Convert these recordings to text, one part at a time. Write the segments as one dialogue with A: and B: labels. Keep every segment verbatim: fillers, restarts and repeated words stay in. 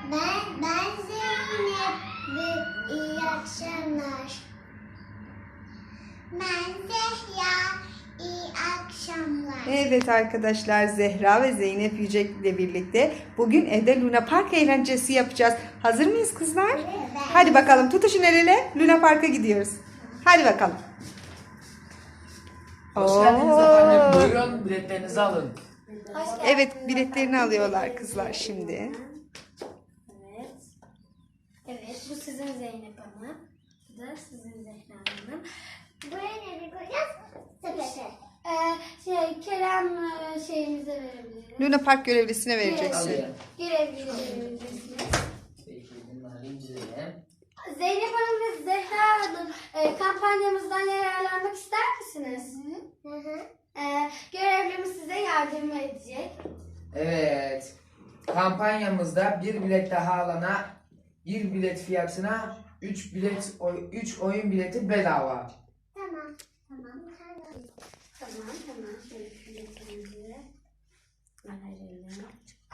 A: Ben, ben Zeynep. Bir, iyi akşamlar. Ben Zehra. İyi akşamlar.
B: Evet arkadaşlar, Zehra ve Zeynep Yücek ile birlikte bugün evde Luna Park eğlencesi yapacağız. Hazır mıyız kızlar?
A: Evet.
B: Hadi bakalım, tutuşun el ele, Luna Park'a gidiyoruz. Hadi bakalım.
C: Hoş geldiniz efendim. Buyurun biletlerinizi alın.
B: Evet, biletlerini alıyorlar kızlar şimdi.
D: Evet. Evet, bu sizin Zeynep Hanım. Bu da sizin Zehra Hanım.
A: Buraya ne koyacağız? Sepete.
D: Ee, şey, Kerem e, şeyimize verebiliriz.
B: Luna Park görevlisine vereceksin.
C: Alayım.
D: Görevliye verebilirsiniz.
C: Peki bunları inceleyelim.
D: Zeynep Hanım ve Zehra Hanım e, kampanyamızdan yararlanmak ister misiniz?
A: Hı hı.
D: E, görevlimiz size yardım edecek.
C: Evet. Kampanyamızda bir bilet daha alana bir bilet fiyatına üç bilet üç oyun bileti bedava.
A: Tamam. Tamam.
D: Tamam, tamam. Şöyle biletlerimizi verelim.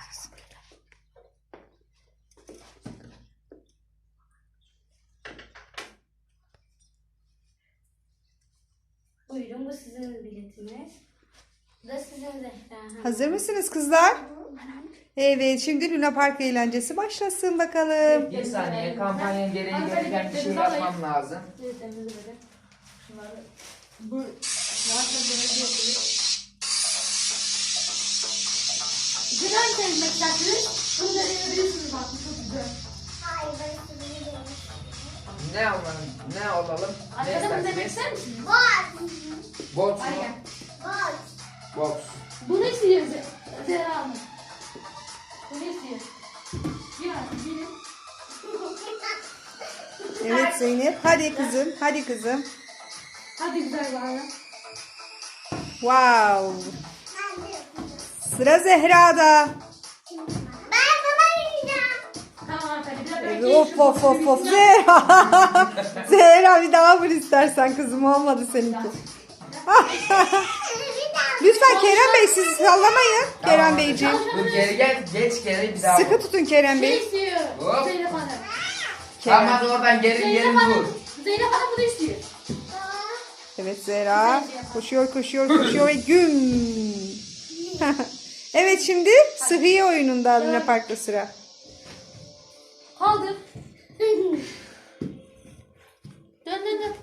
D: Buyurun, bu sizin biletiniz. Bu da sizin Zehra Hanım.
B: Hazır mısınız kızlar? Evet, şimdi Luna Park eğlencesi başlasın bakalım.
C: Bir saniye, kampanyanın gereği gereken bir şey yapmam lazım.
D: Biletlerinizi verin. Şunları.
E: Bu zaten böyle yapıyor. Güzel temizlik isterseniz bunu da verebilirsiniz bak, bu çok güzel.
A: Hayır, ben sizinle değilim.
C: Ne alalım? Ne alalım? Ne
E: Arkada bunu demek
C: isterseniz?
E: ister misiniz?
A: Boş.
C: Box
E: Hadi
C: mu?
E: gel.
A: Boş.
C: Box.
E: Bunu istiyoruz Zehra Hanım. Bunu istiyor. Ya benim.
B: Evet Zeynep, hadi kızım, hadi kızım.
E: Hadi güzel bana.
B: Wow.
A: Ben de yapacağım.
B: Sıra Zehra'da.
A: Ben buna gideceğim.
E: Tamam hanımefendi. Biraz
B: Evet,
E: bekleyin.
B: Of of of of Zehra. Zehra bir daha vur istersen kızım, olmadı seninki. Lütfen Kerem Bey, siz sallamayın. Kerem
C: Tamam.
B: Beyciğim.
C: Dur geri gel, geç geri bir daha.
B: Sıkı
C: vur.
B: tutun Kerem
E: Şey
B: Bey.
E: istiyor.
C: Hop.
E: Zeynep Hanım.
C: Tamam
B: Kerem.
C: hadi oradan geri geri
E: Zeynep
C: vur.
E: Hanım. Zeynep Hanım bunu istiyor.
B: Evet Zehra. Koşuyor koşuyor koşuyor ve güm. Evet, şimdi Sıhhiye oyununda Luna Park'ta sıra.
E: Kaldır. Dön dön dön.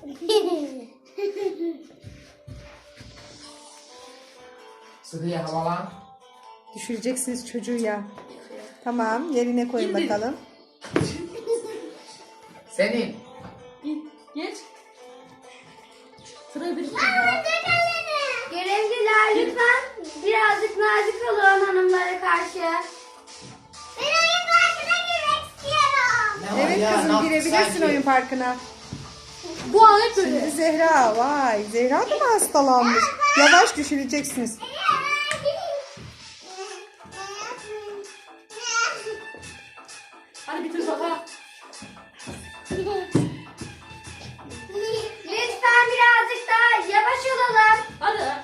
C: Sıkıya havalan.
B: Düşüreceksiniz çocuğu ya. Tamam, yerine koyun bakalım.
C: Senin.
E: Geç. Sıra bir.
D: Görevliler lütfen birazcık nazik olun hanımlara karşı.
A: Ben oyun parkına girmek istiyorum.
C: Ne var
B: Evet
C: ya, ne
B: kızım,
C: yaptın
B: girebilirsin
C: sanki?
B: oyun parkına.
E: Bu an hep böyle.
B: Şimdi Zehra, vay Zehra da mı hastalanmış? Yavaş düşüreceksiniz.
E: Hadi bitir bakalım.
D: Lütfen birazcık daha yavaş olalım.
E: Hadi.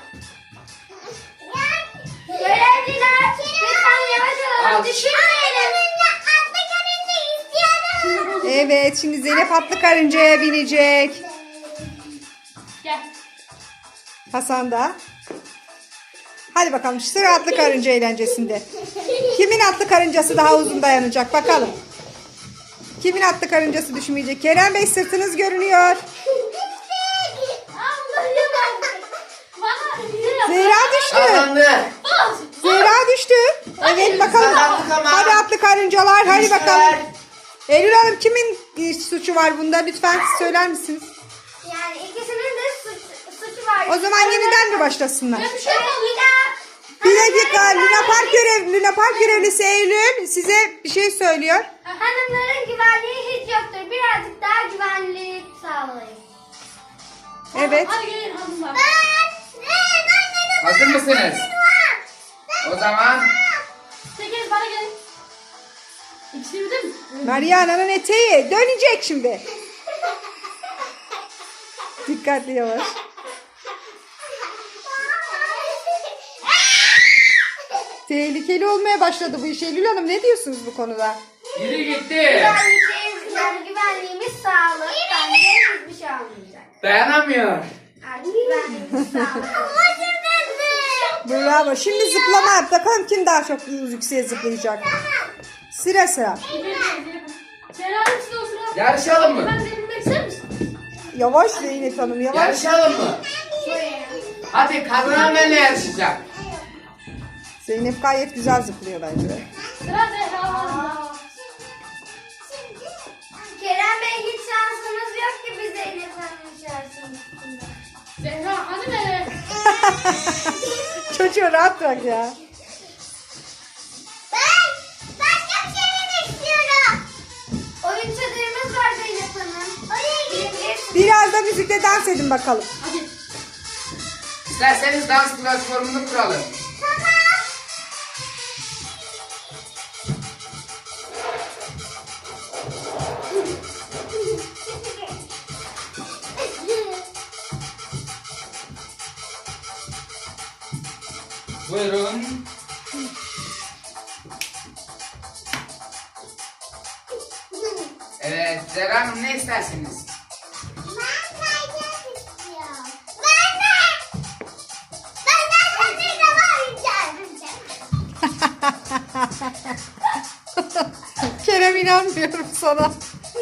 D: Görevliler lütfen yavaş olalım.
C: Al.
D: Düşürmeyelim.
A: Atlı karınca istiyorum.
B: Evet, şimdi Zeynep atlı karıncaya binecek.
E: Gel.
B: Hasan da. Hadi bakalım, sıra atlı karınca eğlencesinde. Kimin atlı karıncası daha uzun dayanacak bakalım. Kimin atlı karıncası düşmeyecek? Kerem Bey, sırtınız görünüyor.
E: Allah'ım ya. Bana iyi yap.
B: Zehra düştü.
C: Kazandı.
B: Zehra düştü. Evet bakalım.
C: Kazandık ama.
B: Hadi atlı karıncalar, hadi
C: Düştüler.
B: bakalım. Eylül Hanım, kimin e, suçu var bunda? Lütfen söyler misiniz?
D: Yani ikisinin de suç, suçu var.
B: O zaman yeniden mi başlasınlar?
E: Ben bir şey
D: Evet,
E: yapmadım.
D: bir daha.
B: Bir dakika, Luna Park görev, Luna Park görevlisi Eylül size bir şey söylüyor.
D: Hanımların güvenliği hiç yoktur. Birazcık daha güvenliği sağlayın.
B: Evet.
E: Hadi gelin hanımlar.
C: Hazır mısınız? O zaman
E: Tekiniz bana gelin. İkisi bir de mi?
B: Mariana'nın eteği dönecek şimdi. Dikkatli yavaş. Tehlikeli olmaya başladı bu iş. Eylül Hanım, ne diyorsunuz bu konuda?
C: Yürü gitti.
D: Güvenliğimiz, güzel, güvenliğimiz sağlık. Bence hiçbir şey olmayacak.
C: Dayanamıyor.
D: Artık güvenliğimiz sağlık.
B: Bravo. Şimdi zıplama yap. Bakalım kim daha çok yükseğe zıplayacak. Sıra sıra.
E: Sen hangisi o sıra?
C: Yarışalım mı?
E: Ben de bilmek ister misin?
B: Yavaş Zeynep Hanım yavaş.
C: Yarışalım mı? Hadi kazanan benimle yarışacak.
B: Zeynep gayet güzel zıplıyor bence.
E: Sıra Zehra'da.
D: Kerem Bey hiç şansımız yok ki biz Zeynep Hanım'ın şansımız.
E: Zehra hadi be.
B: Çocuğu rahat bırak ya.
A: Ben başka bir şey yemek istiyorum.
D: Oyun çadırımız var Zeynep Hanım. Oraya gidebiliriz.
B: Biraz da müzikle dans edin bakalım.
E: Hadi.
C: İsterseniz dans platformunu kuralım. Buyurun. Evet, Zehra Hanım ne istersiniz?
A: Ben kayacak istiyorum. Ben de. Ben de çadırda varacağım.
B: Kerem inanmıyorum sana.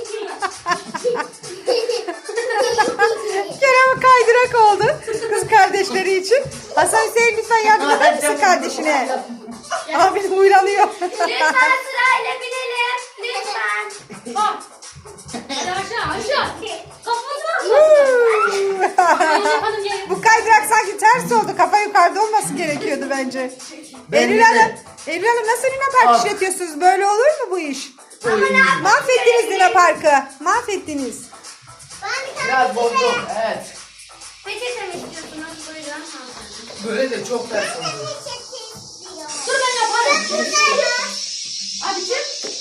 B: Kerem kaydırak oldu kız kardeşleri için. Hasan Hüseyin lütfen yardım eder misin kardeşine? Abin huylanıyor.
D: Lütfen sırayla binelim. Lütfen.
E: Bak. Hadi aşağı aşağı. Kafasına. Zeynep Hanım gel.
B: Bu kaydırak sanki ters oldu. Kafa yukarıda olması gerekiyordu bence.
C: Ben
B: Eylül
C: de-
B: Hanım, Eylül Hanım nasıl Luna Park
C: Ah.
B: işletiyorsunuz? Böyle olur mu bu iş? Mahvettiniz Luna Park'ı. Mahvettiniz.
A: Ben bir tane
C: Biraz bozdum, evet.
D: Peçete mi istiyorsunuz? Buyurun. hanımefendi.
C: Böyle de çok ters oldu.
A: peçete istiyorum.
E: Dur ben yaparım. Hadi çık.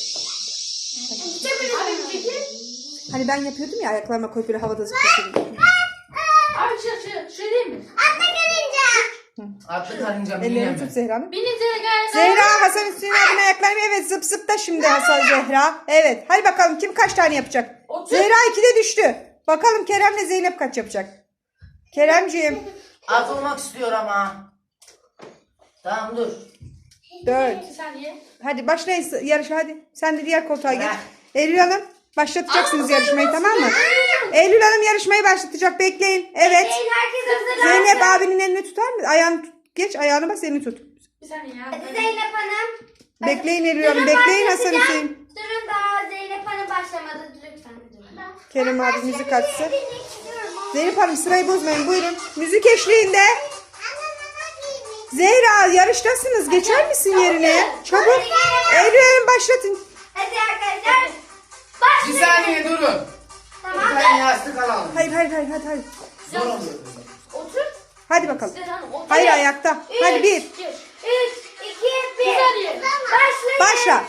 E: Abi çekil.
B: Hani ben yapıyordum ya ayaklarıma koyup böyle havada zıplatıyordum.
E: Abi çık çık. Şey değil mi?
A: Atla gelince.
C: Atlı karınca
B: Ellerini
C: bineyim
B: tut
C: mi?
B: Zehra Hanım.
E: Beni Zehra.
B: Zehra, Hasan Hüseyin abinin ayaklarını evet zıp zıp da şimdi Hasan Zehra. Evet hadi bakalım kim kaç tane yapacak?
E: Otur.
B: Zehra ikide düştü. Bakalım Kerem'le Zeynep kaç yapacak? Keremciğim
F: Az olmak istiyor ama. Tamam dur.
B: dört.
E: Bir saniye.
B: Hadi başlayın yarışa hadi. Sen de diğer koltuğa geç.
F: Bırak.
B: Eylül Hanım başlatacaksınız yarışmayı tamam mı? Eylül Hanım yarışmayı başlatacak bekleyin. Evet.
D: Bekleyin, herkes hazırlansın.
B: Zeynep abinin elini tutar mı? Ayağını tut. Geç ayağını bas elini tut.
E: Bir saniye ya.
D: Hadi Zeynep Hanım.
B: Bekleyin Eylül Hanım
D: Durun,
B: bekleyin Hasan
D: başlatacağım.
B: Hüseyin.
D: Durun daha Zeynep Hanım başlamadı. Lütfen durun.
B: Kerem abi müzik açsın.
A: Bilmek istiyorum.
B: Zeynep Hanım sırayı bozmayın buyurun. Müzik eşliğinde.
A: Anne mama giymek.
B: Zehra yarıştasınız. Geçer misin yerine? Çabuk. Eylül Hanım başlatın.
D: Hadi arkadaşlar.
C: Bir
D: Başlayın.
C: saniye durun.
D: Tamam.
C: Bir tane yastık alalım.
B: Hayır hayır hayır hadi hadi.
C: Zor oluyor.
E: Otur.
B: Hadi bakalım.
E: Zehra Hanım otur.
B: Hayır ayakta. Hadi bir.
E: Geç.
D: üç, iki, bir.
E: Bir saniye.
D: Başlayın.
B: Başla.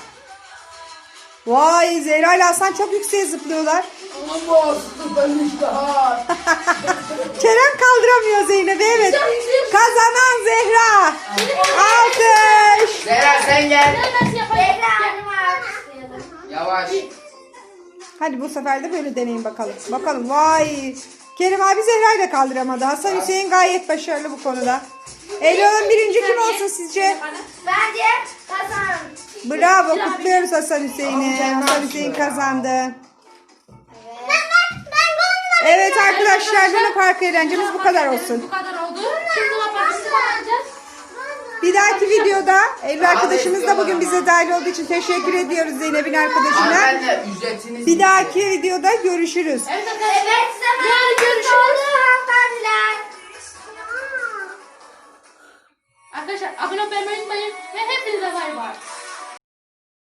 B: Vay Zehra ile Hasan çok yükseğe zıplıyorlar.
C: Olamaz. Ben hiç daha.
B: Kerem kaldıramıyor Zeynep'i evet. Kazanan Zehra. Alkış.
C: Zehra sen gel.
E: Ben nasıl yapayım?
D: Zehra Hanım'ı alkışlayalım.
C: Yavaş.
B: Hadi bu sefer de böyle deneyin bakalım. Bakalım vay. Kerem abi Zehra ile kaldıramadı. Hasan Hüseyin gayet başarılı bu konuda. Eylül Hanım birinci kim olsun sizce?
D: Bence Hasan.
B: Bravo kutluyoruz Hasan Hüseyin'i. Hasan Hüseyin kazandı.
A: Ben ben ben golüm.
B: Evet arkadaşlar Luna Park eğlencemiz bu kadar olsun.
E: Bu kadar oldu. Şimdi ne yapacağız? Ne yapacağız?
B: Bir dahaki videoda Eylül arkadaşımız da bugün bize dahil olduğu için teşekkür ediyoruz Zeynep'in arkadaşına.
C: Hanımefendi ücretiniz.
B: Bir dahaki videoda görüşürüz.
E: Evet arkadaşlar.
D: Evet, zaman
E: Yarın görüşürüz.
D: oldu.